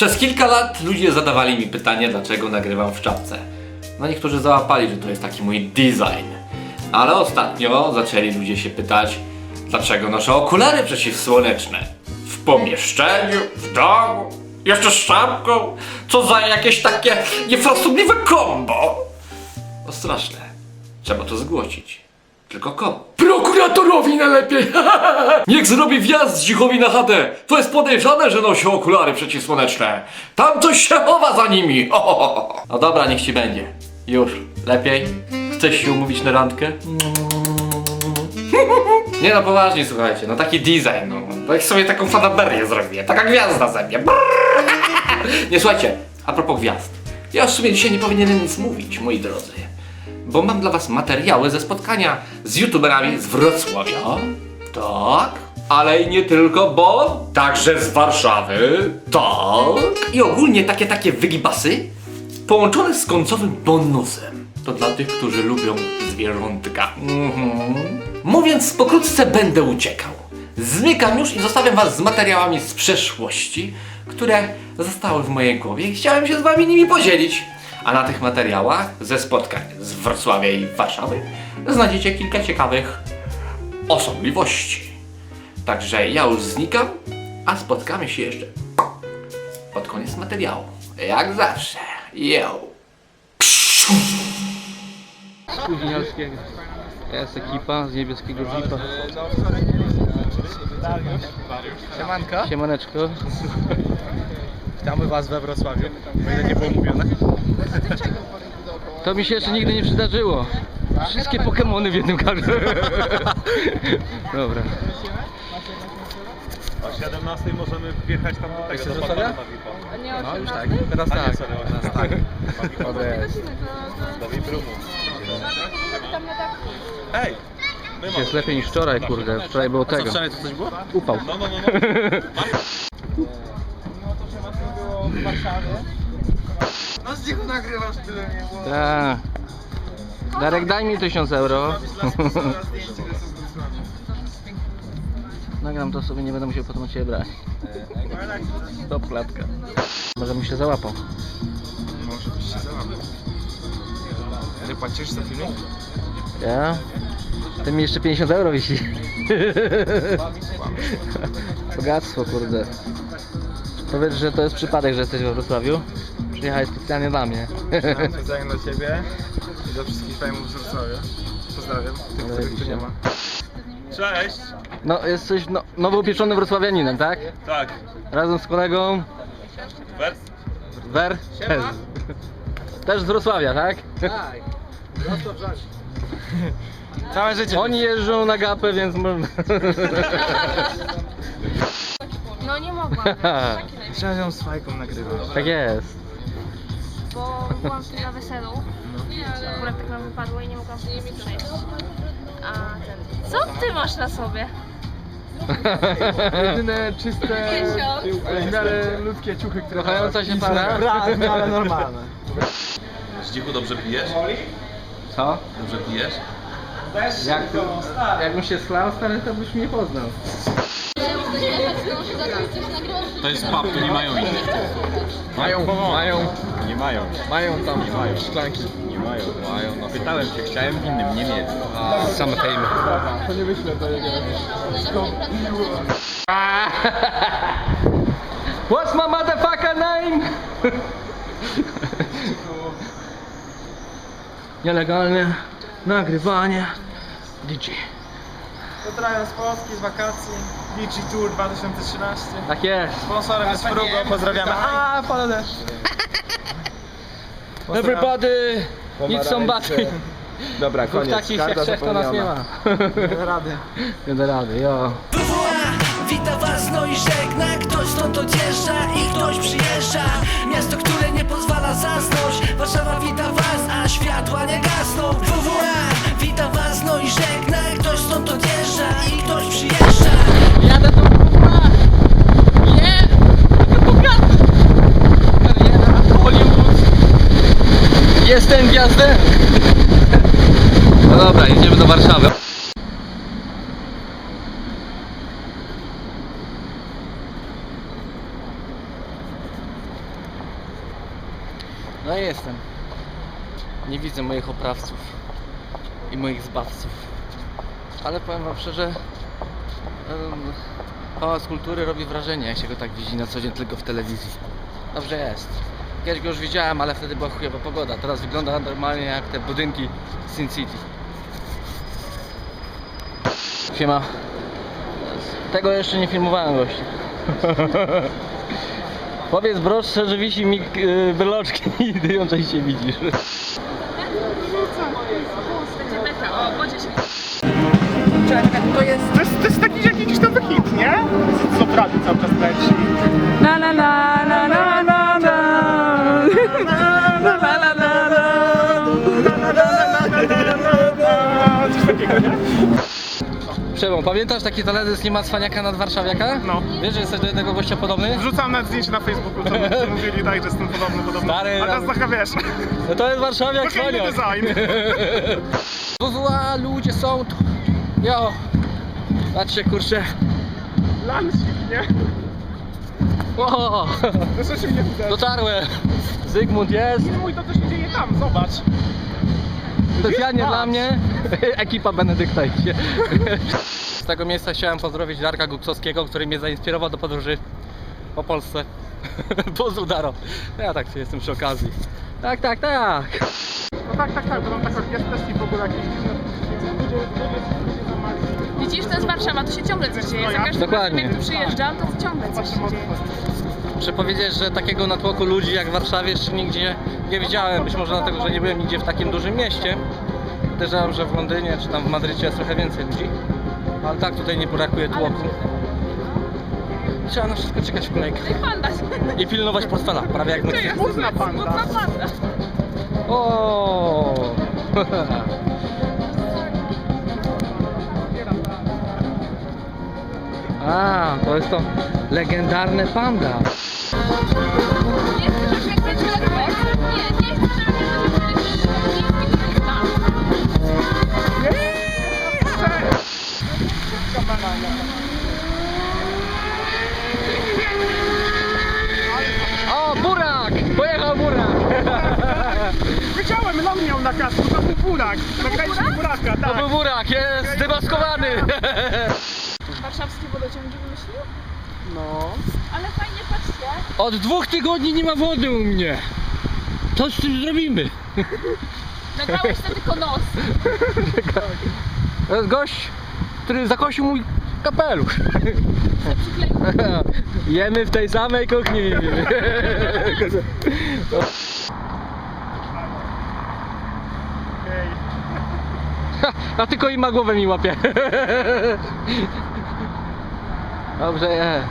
Przez kilka lat ludzie zadawali mi pytanie, dlaczego nagrywam w czapce. No niektórzy załapali, że to jest taki mój design. Ale ostatnio zaczęli ludzie się pytać, dlaczego noszę okulary przeciwsłoneczne. W pomieszczeniu, w domu, jeszcze z czapką. Co za jakieś takie niefrasobliwe kombo. No straszne. Trzeba to zgłosić. Tylko komu? Prokuratorowi najlepiej! Niech zrobi wjazd z Dzichowi na chatę! To jest podejrzane, że nosi okulary przeciwsłoneczne! Tam coś się chowa za nimi! No dobra, niech ci będzie. Już. Lepiej? Chcesz się umówić na randkę? Nie no, poważnie, słuchajcie, no taki design, no. Tak sobie taką fanaberię zrobię, taka gwiazda ze mnie. Nie, słuchajcie, a propos gwiazd. Ja w sumie dzisiaj nie powinienem nic mówić, moi drodzy. Bo mam dla was materiały ze spotkania z youtuberami z Wrocławia. Tak. Ale i nie tylko, bo także z Warszawy. Tak. I ogólnie takie wygibasy połączone z końcowym bonusem. To dla tych, którzy lubią zwierzątka. Mówiąc pokrótce, będę uciekał. Zmykam już i zostawiam was z materiałami z przeszłości, które zostały w mojej głowie i chciałem się z wami nimi podzielić. A na tych materiałach ze spotkań z Wrocławia i Warszawy znajdziecie kilka ciekawych osobliwości. Także ja już znikam, a spotkamy się jeszcze pod koniec materiału. Jak zawsze. Yo! Spóźnialskiego. Jest ekipa z niebieskiego jeepa. Siemanko, Siemaneczko. witamy was we Wrocławiu, o ile nie było mówione. To mi się jeszcze nigdy nie przydarzyło. Wszystkie Pokemony w jednym kadrze. Dobra. O 17 możemy wjechać tam do tego, do Wrocławia? Batmana VIP-a. No już tak, teraz A nie, tak. sorry, Teraz tak. do VIP-roomu. Ej! My Jest lepiej niż wczoraj, kurde. Wczoraj było Co, tego. wczoraj to coś było? Upał. No. No z niego nagrywasz, tyle nie było. Tak. Darek, daj mi 1000 euro. Nagram to sobie, nie będę musiał potem od ciebie brać. Stop klatka. Może mi się załapał. Może byś się załapał. Ty płacisz za filmik? Ja? Ty mi jeszcze 50 euro wisi. Bogactwo, kurde. Powiedz, że to jest przypadek, że jesteś we Wrocławiu. Przyjechałeś specjalnie dla mnie. Specjalnie dla ciebie i do wszystkich fajmów z Wrocławia. Pozdrawiam, tych, których tu nie ma. Cześć! No, jesteś nowo upieczonym wrocławianinem, tak? Tak. Razem z kolegą Wers? Wer? Też z Wrocławia, tak? Tak. Całe życie. Oni jeżdżą na gapę, więc można. No nie mogłam, Trzeba ją z fajką nagrywać. Tak jest. bo byłam wtedy na weselu. Akurat tak nam wypadło i nie mogłam sobie przejść. A ten... Co ty masz na sobie? Jedyne czyste, w miarę ludzkie ciuchy, które... Kochająca się para? Tak, ale normalne. Zdzichu, dobrze pijesz? Co? Dobrze pijesz? Jakbym się schlał, stary, to byś mnie poznał. To jest pub, tu nie mają innych. Mają. Nie mają. Mają tam szklanki. Nie mają. No pytałem się, chciałem w innym, nie mieć. Same fejmy. To nie wyślę do jego. What's my motherfucker name? Nielegalne nagrywanie DJ. Pozdrawiam z Polski, z wakacji. Beachy Tour 2013. Tak jest. Sponsorem jest Frugo, pozdrawiamy. A, pada deszcz. Everybody need somebody. Dobra, Dwóch takich jak trzech to nas nie ma. Nie da rady. Nie da rady, jo. Wita was, no i żegna. Ktoś stąd odjeżdża i ktoś przyjeżdża. Miasto, które nie pozwala zasnąć. Warszawa wita was, a światła nie gasną. WWA wita was, no i żegna. Ktoś stąd odjeżdża i ktoś przyjeżdża. Jadę do kurwa! Nie! Kariera Hollywood! Jestem gwiazdą! No dobra, jedziemy do Warszawy. No i jestem. Nie widzę moich oprawców i moich zbawców. Ale powiem wam szczerze, Pałac Kultury robi wrażenie, jak się go tak widzi na co dzień tylko w telewizji. Dobrze jest. Kiedyś go już widziałem, ale wtedy była chujowa pogoda. Teraz wygląda normalnie jak te budynki Sin City. Siema. Tego jeszcze nie filmowałem, gości. Powiedz broszce, że wisi mi wyloczki i ty ją częściej widzisz. Będzie beta, o, wodzie się. To jest taki jakiś nowy hit, nie? Co prawie cały czas leci. Na na na na na na na. Coś takiego, nie? Przemo, pamiętasz taki teledysk Nie ma cwaniaka nad warszawiaka? No. Wiesz, że jesteś do jednego gościa podobny? Wrzucam na zdjęcie na Facebooku, co mówili tak, że jestem podobny. Stary, A teraz taka wiesz, No to jest warszawiak trochę inny cwaniak. design. WWA, ludzie są tu. Jo. Patrzcie, kurczę. Lansik, nie? O, Proszę się nie widać. dotarłem. Zygmunt jest. Mój, to co się dzieje tam, zobacz. Specjalnie dla mnie ekipa Benedykta idzie. Z tego miejsca chciałem pozdrowić Darka Guksowskiego, który mnie zainspirował do podróży po Polsce. Pozdrów, Daro. Ja tak jestem przy okazji. Tak. No tak, bo tam tak orkiestrę i w ogóle jakieś dziwne... Widzisz, to jest Warszawa, tu się ciągle coś dzieje. Za każdym Dokładnie. razem jak tu przyjeżdżam, to ciągle coś się dzieje. Muszę powiedzieć, że takiego natłoku ludzi jak w Warszawie jeszcze nigdzie nie widziałem. Być może dlatego, że nie byłem nigdzie w takim dużym mieście. Podejrzewam, że w Londynie czy tam w Madrycie jest trochę więcej ludzi. Ale tak, tutaj nie brakuje tłoku. Trzeba na wszystko czekać w kolejkę. I panda się. I pilnować portfela, prawie jak my. Smutna panda. Smutna panda. O! A, to jest to legendarne panda. Nie chcesz, jak będzie lekko? Nie chcesz, żeby będzie tam. O, burak! Pojechał burak! Wiedziałem, lon miał na kasku, to był burak. Nagraliśmy buraka, To tak. był burak, jest zdemaskowany! Warszawskie wodociągi wymyślił? No. Ale fajnie, patrzcie. Od 2 tygodni nie ma wody u mnie. Co z tym zrobimy? Nagrałeś to tylko nos. To jest gość, który zakosił mój kapelusz. Jemy w tej samej kuchni. Okej. A tylko ima głowę mi łapie. Dobrze je.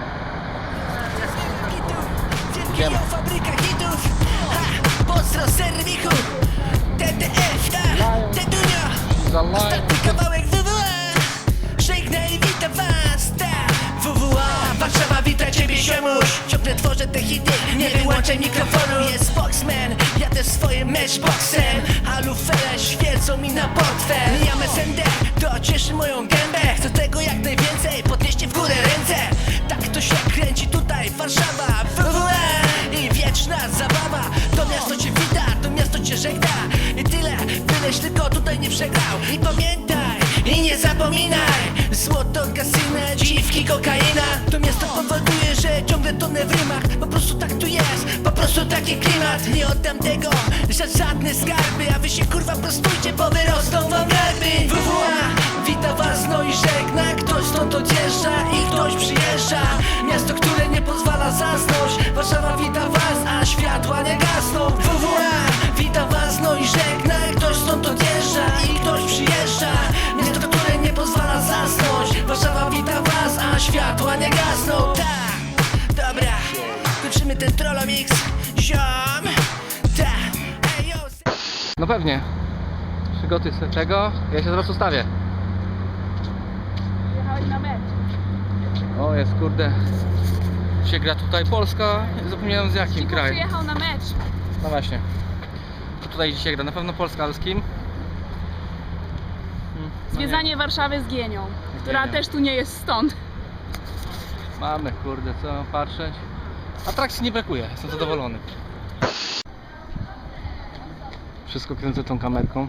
Wielkiego fabryka hitów. Pozdro serwichu. TTF, Tedunia. Ostatni kawałek WWA. Żegnaj i wita was, WWA. Warszawa wita ciebie, ziomuś. Ciągle tworzę te hity, nie wyłączaj mikrofonu. Jest Boxman, jadę swoim matchboxem. A lufele świecą mi na portfel. Ja SND, to cieszy moją gębę. Chcę tego jak najwięcej, podnieście w górę ręce. Tak to się kręci tutaj, Warszawa, WWA. I wieczna zabawa. To miasto cię wita, to miasto cię żegna. I tyle, byleś tylko tutaj nie przegrał. I pamiętaj, i nie zapominaj. Złoto, kasyna, dziwki, kokaina. To miasto powoduje, że ciągle tonę w rymach. Po prostu tak tu jest, po prostu taki klimat. Nie oddam tego za żadne skarby. A wy się kurwa prostujcie, bo wyrosną wam garby. WWA, wita was, no i żegna. Ktoś stąd odjeżdża i ktoś przyjeżdża. Miasto, które nie pozwala zasnąć. Warszawa wita was, a światła nie gasną. WWA, wita was, no i żegna. Ktoś stąd odjeżdża i ktoś przyjeżdża. Miasto, które nie pozwala zasnąć. Warszawa wita was, a światła nie gasną. Tak, dobra, kończymy ten trollomix. Ziom, tak, ej, yo. No pewnie. Przygotuj sobie czego? Ja się zaraz ustawię. Jechałeś na mecz. O, jest kurde. Się gra tutaj Polska. Zapomniałem z jakim Cicho krajem. przyjechał na mecz. No właśnie. Tutaj dzisiaj gra na pewno Polska, ale z kim? Zwiedzanie Warszawy z Gienią, która Gienią. też tu nie jest stąd. Mamy, kurde, co mam patrzeć. Atrakcji nie brakuje, jestem zadowolony. Wszystko kręcę tą kamerką.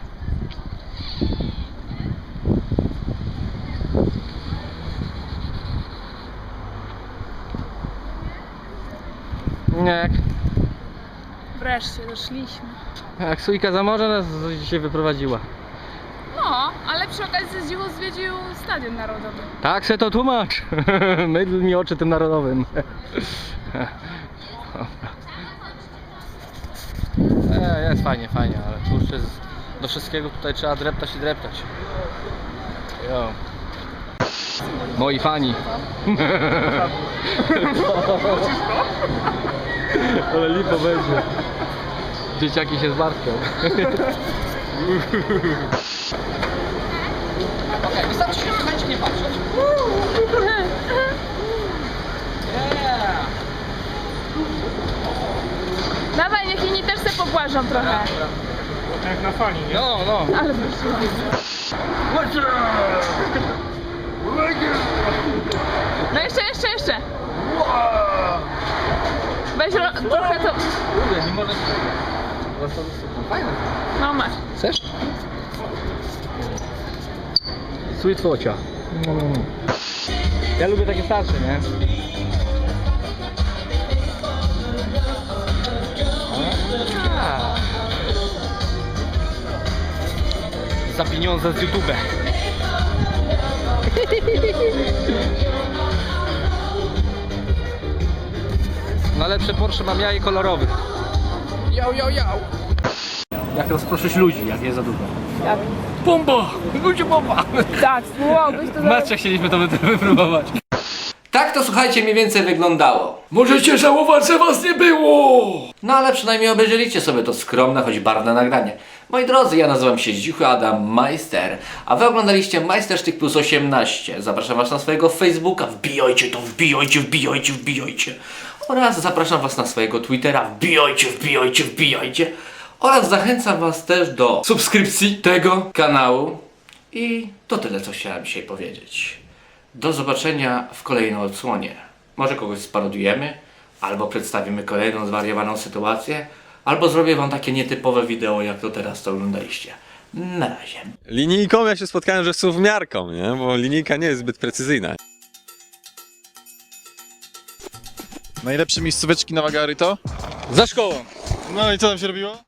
Nie, Wreszcie doszliśmy. jak Sójka za morze nas dzisiaj wyprowadziła. No, ale przy okazji z dziwo zwiedził Stadion Narodowy. Tak se to tłumacz. Mydl mi oczy tym narodowym. Jest fajnie, fajnie, ale tu już jest, do wszystkiego tutaj trzeba dreptać i dreptać. Jo. Moi fani. Ale lipo będzie. Dzieciaki się zmartwią. Okej, wystarczy się słuchajcie, nie patrzeć. Dawaj, niech inni też se pobłażą trochę. Jak na fali, nie? No, no. Ale wreszcie. No jeszcze. Weź trochę to. Kurde, nie może... Fajne. No masz. Chcesz? Sweet focia. Ja lubię takie starsze, nie? A. Za pieniądze z YouTube. Najlepsze Porsche mam ja i kolorowych. Jak rozproszyć ludzi, jak jest za dużo. Jak? Bomba! Ludzie bomba! Tak, spróbowałbyś to W meczach chcieliśmy to wypróbować. Tak to słuchajcie mniej więcej wyglądało. Możecie żałować, że was nie było! No ale przynajmniej obejrzeliście sobie to skromne, choć barwne nagranie. Moi drodzy, ja nazywam się Zdzichu Adam Majster, a wy oglądaliście Majstersztyk plus 18. Zapraszam was na swojego Facebooka, wbijajcie to, wbijajcie. Oraz zapraszam was na swojego Twittera, wbijajcie. Oraz zachęcam was też do subskrypcji tego kanału. I to tyle, co chciałem dzisiaj powiedzieć. Do zobaczenia w kolejnej odsłonie. Może kogoś sparodujemy, albo przedstawimy kolejną zwariowaną sytuację, albo zrobię wam takie nietypowe wideo, jak to teraz to oglądaliście. Na razie. Linijką ja się spotkałem, że są wmiarką, nie? Bo linijka nie jest zbyt precyzyjna. Najlepsze miejscóweczki na Wagary to? Za szkołą. No i co tam się robiło?